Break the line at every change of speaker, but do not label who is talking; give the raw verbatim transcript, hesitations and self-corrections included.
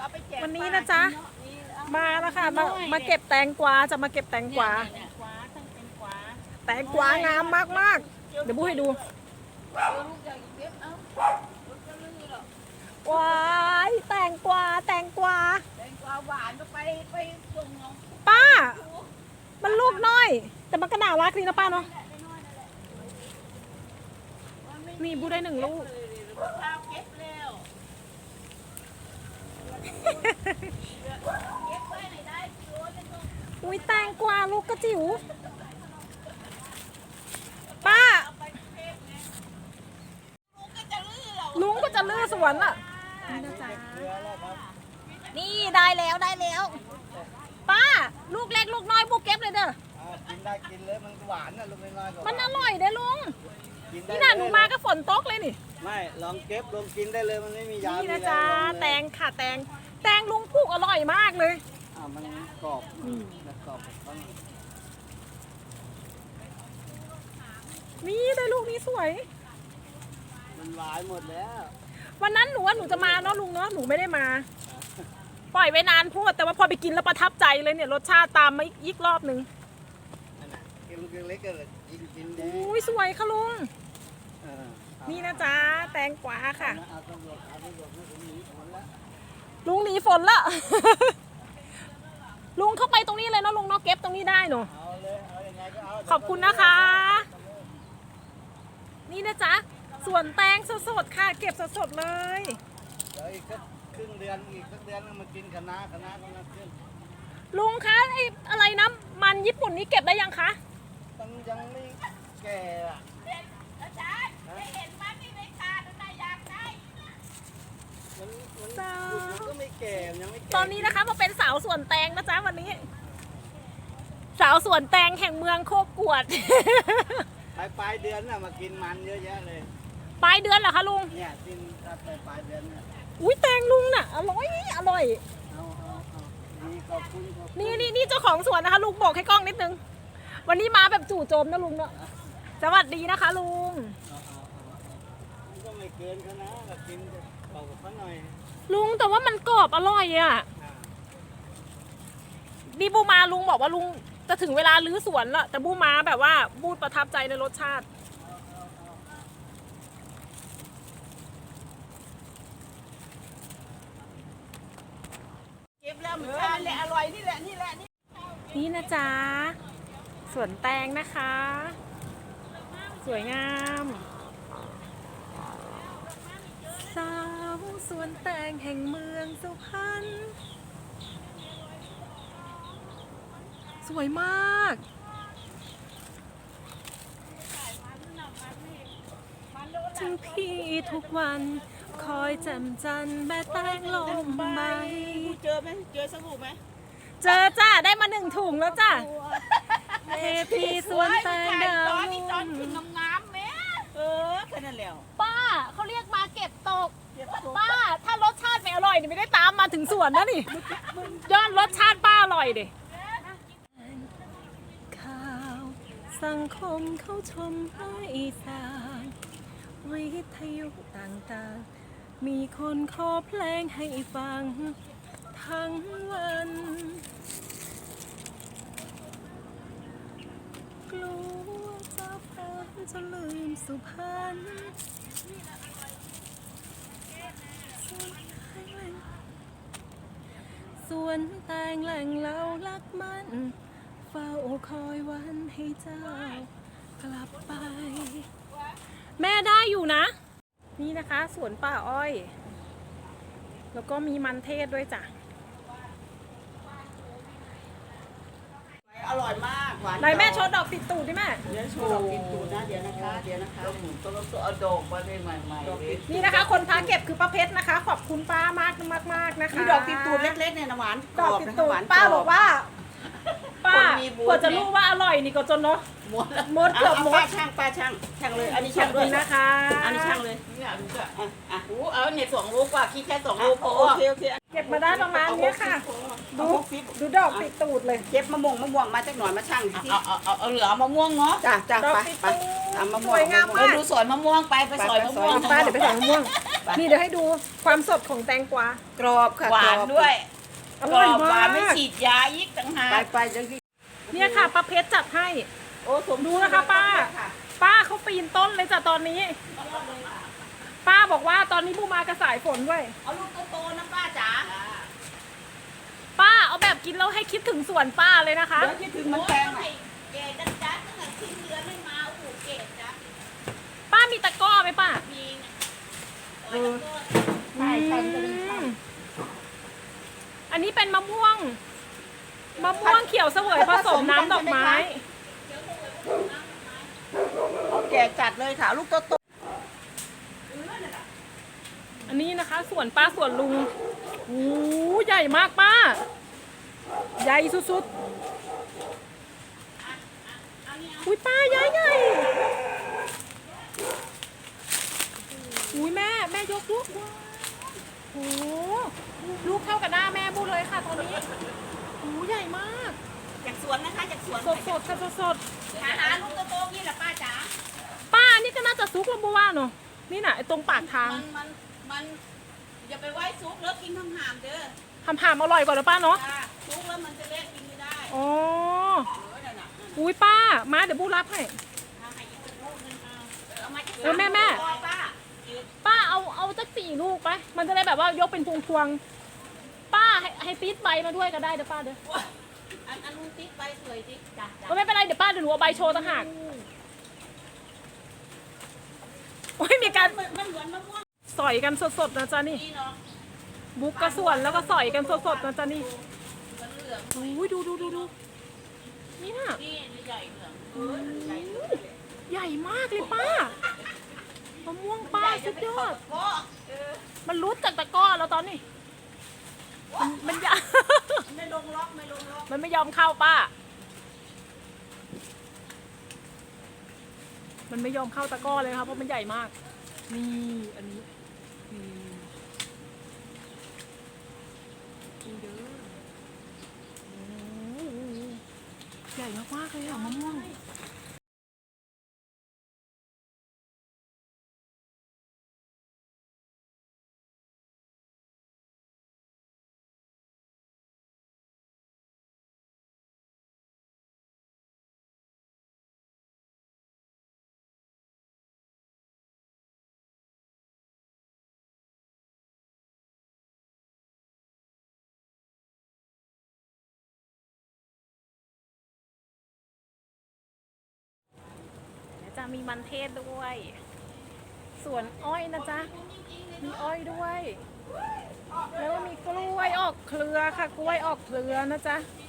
วันนี้นะจ๊ะมาแล้วค่ะมามาเก็บแตงกวาจะมาเก็บแตงกวาแตงกวางามมากมากเดี๋ยวบูให้ดูว้ายแตงกวาแตงกวา
แตงกวาหวานก็ไปไปส่งน้อง
ป้ามันลูกน้อยแต่มันก็น่ารักดีนะป้าเนาะนี่บูได้หนึ่งลูก
ข้าวเก็บแล้วเก็บไปไหนได้โยนไปส่ง
อุ้ยแตงกวาลูกกระจิ๋วป้า
ลุงก็จะลื้อเรา
ลุงก็จะลื้อสวนอ่ะนี่ได้แล้วได้แล้ว ป้าลูกเล็กลูกน้อยบูเก็บเลยเด้อ
กินได้กินเลยมันหวานนะลูกน้อยๆ
มันอร่อยเด้อลุงนี่น่ะหนูมาก็ฝนตกเลยนี่
ไม่ลองเก็บลองกินได้เลยมันไม่มียา
นี่นะจ๊ะแตงค่ะแตงแตงลุงปลูกอร่อยมากเลย
อ่ามันกรอบแล้วกรอบบ้าง
นี่ได้ลูกนี้สวย
มันหวานหมดแล้ว
วันนั้นหนูว่าหนูจะมาเนาะลุงเนาะหนูไม่ได้มา ปล่อยไว้นานพูดแต่ว่าพอไปกินแล้วประทับใจเลยเนี่ยรสชาติตามมาอีกรอบหนึ่ง
นั่นน่ะกินลูกเล็กๆก็กินกินได้
อุ้ยสวยค่ะลุง
เออ
นี่นะจ๊ะแตงกวาค่ะ
เอาตำรวจเอาตำรวจไม่ถึงหนีผลแล้ว
ลุงหนีฝนละ ลุงเข้าไปตรงนี้เลยเนาะลุงเนาะเก็บตรงนี้ได้เนาะ
เอาเลยเอายังไงก็เอา
ขอบคุณนะคะ นี่นะจ๊ะส่วนแตงสดๆค่ะ เก็บสดๆเลย
เดี๋ยวอีกสักครึ่งเดือนอีกสักเดือนนึงมากินคะน้าคะน้ากำลังขึ้น
ลุงคะไอ้อะไรนะมันญี่ปุ่นนี้เก็บได้ยังคะ
มันยังไม่แก่อะ
อาจารย์ได้เห็นมันที่ในตาดูได้อยากได้
มันมันมันก็ไม่แก่มันยังไม่แก่
ตอนนี้นะคะมาเป็นสาวสวนแตงนะจ๊ะวันนี้ สาวสวนแตงแห่งเมืองโคกวด
ปลายปลายเดือนน่ะมากินมันเยอะแยะเลย
ปลายเดือนเหรอคะลุง
เนี่ยกินครับปลายปลายเดือนเนี่ย
อุ้ยแตงลุงน่ะอร่อยอร่อย
เอาเอาเอาดีขอบคุณขอบคุณ
นี่นี่นี่เจ้าของสวนนะคะลุงบอกให้กล้องนิดนึง วันนี้มาแบบจู่โจมนะลุงเนาะสวัสดีนะคะลุง
เอาเอาเอาเอามันก็ไม่เกินเขานะก็กินเบากับเขาหน่อย
ลุงแต่ว่ามันกรอบอร่อยอ่ะ
อ่า
นี่บูมาลุงบอกว่าลุงจะถึงเวลารื้อสวนแล้วแต่บูมาแบบว่าบูประทับใจในรสชาติ
เก็บแล้วมันชาแหละอร่อยนี่แหละนี่แหละนี่
นี่นะจ๊ะสวนแตงนะคะ สวยงามสาวสวนแตงแห่งเมืองสุพรรณสวยมากถึงพี่ทุกวันคอยแจ่มจันทร์แม่แตงลมใบ
เจอไหมเจอสบู่ไหม
เจอจ้าได้มาหนึ่งถุงแล้วจ้าเทพีสวนแตงดาว
ตอนนี้ตอน
รุ่
ขึ้น
ง
งามๆแม่เออแค่นั้นแล้ว
ป้าเขาเรียกมาเก็บตก
เก็บตัว
ป้าถ้ารสชาติไม่อร่อยนี่ไม่ได้ตามมาถึงสวนนะนี่ย้อนรสชาติป้าอร่อยดิข่าวสังคมเขาชมให้สร้างวิทยุต่างๆมีคนขอเพลงให้ฟังทั้งวันกลัวจะฟังจะลืมสุพรรณสวนแตงแหล่งเรารักมันเฝ้าคอยวันให้เจ้ากลับไป แม่ได้อยู่นะ นี่นะคะสวนป่าอ้อย แล้วก็มีมันเทศด้วยจ้ะ
อร่อยมากหวาน
ไหนแม่โชว์ดอกติดตูดดิแม่
เดี๋ยวโชว์ดอกกินตูดนะเดี๋ยวนะคะเดี๋ยวนะคะต้องต้องเอาดอกมาได้ใหม่ๆเลย
นี่นะคะ คนพาเก็บคือป้าเพชรนะคะ ขอบคุณป้ามากมากมากๆนะคะ
มีดอกติดตูดเล็กๆเนี่ยนะหวาน
ดอกติดตูด
หวาน
ป้าบอกว่า ป้า
คนมีบุญ
กว่าจะรู้ว่าอร่อยนี่ก็จนเนาะ
หมด
หมดเกือบหมด
ป้าช่างป้าช่างช่างเลยอันนี้
ขอ
ช่า
บ
งด้
คุ
วย
ณนะคะ
อันนี้ช่างเลยนี่อ่ะดูก็อ่ะอ่ะโอ้เอาเนี่ยสองลูกว่าคิดแค่สองลูกพอโอเคโอเค
เก็บบมาได้ประมาณเนี้ยค่ะ ดูดูดอกติดตูดเลย
เก็บมะม่วงมะม่วงมาจากหน่อยมาช่างสิ
เอาเอาเอาเอาเหลือมะม่วงเนาะ
จ้าจ้า
ดอก
ไป
ติด
ไป
ตู
ตามมะ
ด
ม่วง
สวยงาม
เอ
มา
อก ดูสวนมะม่วงไปไปสอยมะม่วง
ป้าเดี๋ยวไปใส่มะม่วง นี่เดี๋ยวให้ดูความสดของแตงกวา
กรอบค่ะ
หวาน
กรอบ
ด้วย
อก ร่
ร
อย
อบหวาน
มาก
ไม่ฉีดยาอีกต่างหา
ไป
ก
ไปจังที่
เนี่ยค่ะป้าเพชรจัดให้
โอ้สม
ดูนะคะป้า ป้าเขาปีนต้นเลยจ้ะตอนนี้ ป้าบอกว่าตอนนี้บูมากระสายฝนด้วย
เอาลูกโตๆนะป้าจ๋า
ป้าเอาแบบกินแล้วให้คิดถึงสวนป้าเลยนะคะ
เดี๋ยวคิดถึงมันแพง
โอ้
อ่ะ
ยแกจัดจัดตั้งแต่ทิ้งเดือนไม่มาโอ้โหเกตจ้ะ
ป้ามีตะกร้อไหมป้า
มีนะ
เออใช่ใช่จะเป็น
อืมอันนี้เป็นมะม่วง มะม่วงเขียวเสวยผสมน้ำดอกไม้
เอาแก่จัดเลยค่ะ ลูกโตโต
อันนี้นะคะสวนป้าสวนลุงโอ้ใหญ่มากป้า ใหญ่สุดๆ อุ้ยป้าใหญ่ใหญ่อุ้ยแม่แม่ยกลูกโอ้ลูกเท่ากับหน้าแม่บูเลยค่ะตอนนี้โอ้ใหญ่มาก
จากสวนนะคะจากสวน
สดสดค่ะสดสด
หาหาลูกโตๆนี่แหละป้าจ๋า
ป้านี่ก็น่าจะซุกแล้วบูว่าเนาะนี่น่ะไอ้ตรงปากทาง
มันมันมันอย่าไปไว้ซุกแล้วกินทั้งหามเด้อ
ทำหามอร่อยกว่านะป้าเนาะ
จ้าซุกแล้วมันจะเละกินไม่ได้
อ๋อ
เออนั่นน่ะ
อุ้ยป้ามาเดี๋ยวบูรับให้
เอาให้อีกสักลูกนึงเอาเอามาจาก
เออแม่แม่
ป้าป้า
ป้าเอาเอาจักสี่ลูกไป มันจะได้แบบว่ายกเป็นพวงพวงๆป้าให้ให้ติดใบมาด้วยก็ได้เดี๋ยวป้าเดี๋ยว
อันอันนู้นติ๊กไปสวยติ๊กจ้ะจ้ะ
เออไม่เป็นไรเดี๋ยวป้าเดี๋ยวหนูเอาใบโชว์ต่างหากโอ้ยมีการ
มันมันเหมือนมะม่วง
สอยกันสดๆนะจ๊ะนี่
นี่เนาะ
บุกกระส่วนแล้วก็สอยกันสดๆนะจ๊ะนี่
มันเหลือง
โอ้ยดูดูดูดูนี่น่ะ
นี่ใหญ่เหลืองเออใหญ่เหลือง
ใหญ่มากเลยป้ามะม่วงป้าสุดยอด
ก็เออ
มันรุดจากตะกร้อแล้วตอนนี้ มันมันยา
ไม่ลงล็อกไม่ลงล็อก
มันไม่ยอมเข้าป้า มันไม่ยอมเข้าตะกร้อเลยครับเพราะมันใหญ่มาก นี่อันนี้นี่นี่เด้อโอ้โหใหญ่มากๆเลยอะมะม่วง จะมีมันเทศด้วย สวนอ้อยนะจ๊ะ มีอ้อยด้วย แล้วก็มีกล้วยออกเครือค่ะ กล้วยออกเครือนะจ๊ะ
น